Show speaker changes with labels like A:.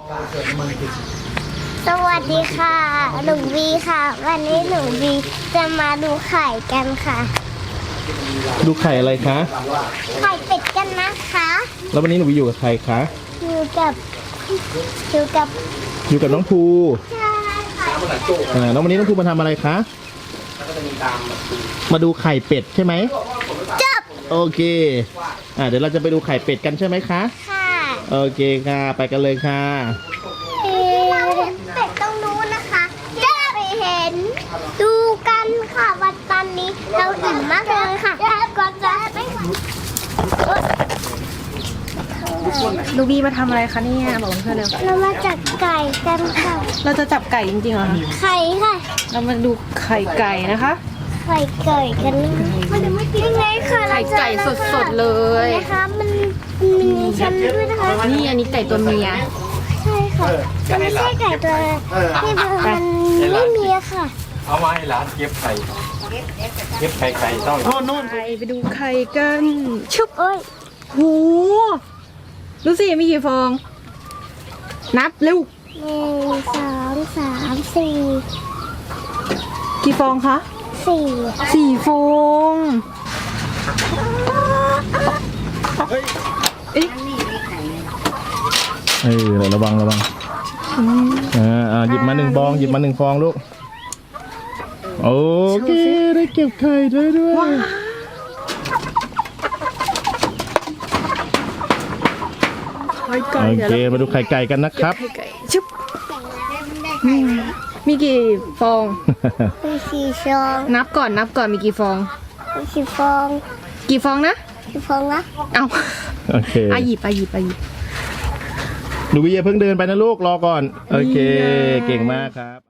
A: สวัสดีค่ะหนูวีค่ะวันนี้หนูวีจะมาดูไข่กันค่ะ
B: ดูไข่อะไรคะ
A: ไข่เป็ดกันนะคะ
B: แล้ววันนี้หนูอยู่กับใครคะ
A: อยู่กับ
B: น้องภู
A: ใช่ค่ะ
B: แล้ววันนี้น้องภูมาทำอะไรคะมาดูไข่เป็ดใช่ไหม
A: จับ
B: โอเคเดี๋ยวเราจะไปดูไข่เป็ดกันใช่ไหมคะ
A: ค่ะ
B: โอเคค่ะไปกันเลยค่ะ
A: เป็ดต้องรู้นะคะจะไปเห็นดูกันค่ะวันตอนนี้เราอิ่มมากเลยค่ะก่อนจะไม่ไหว
C: ลูบีมาทำอะไรคะเนี่ยบอกเพื่อนเร็ว
A: เรามาจับไก่กันค่ะ
C: เราจะจับไก่จริงๆเหรอคะ
A: ไข่ค่ะ
C: เรามาดูไข่ไก่นะคะ
A: ไข่ไก่กันยังไงค่ะ
C: ไข่ไก่สดๆเลย
A: นะคะมันมีชั้นด้วยนะคะ
C: นี่อันนี้ไก่ตัวเมีย
A: ใช่ค่ะมันไม่ใช่ไก่ตัวที่มันไม่มีค่ะ
D: เอามาให้ร้านเก็บไข่เก็บไข่ไก่ต้อง
C: ไปดูไข่กันชุบ
A: โอ้ย
C: โหดูสิมีกี่ฟอง นับเร็ว
A: 1 2 3 4
C: กี่ฟองคะ
A: 4
C: 4 ฟองเอ๊ะ
B: ระวังหยิบมา1 ฟองหยิบมา1 ฟองลูกโอเคได้เก็บไข่ด้วย
C: ไข่ไก่
B: โอ
C: เดี๋ยว
B: เค
C: เรา
B: มาดูไข่ไก่กันนะครับ
C: ไข่ไก่ชุบมีกี่ฟอง
A: มี4ฟอง
C: นับก่อนมีกี่ฟอง
A: มี4ฟอง
C: กี่ฟองนะ
A: 4ฟองนะ
C: เอา
B: โอเค
C: หยิบ
B: หนูวิเยเพิ่งเดินไปนะลูกรอก่อนโอเคเก่งมากครับ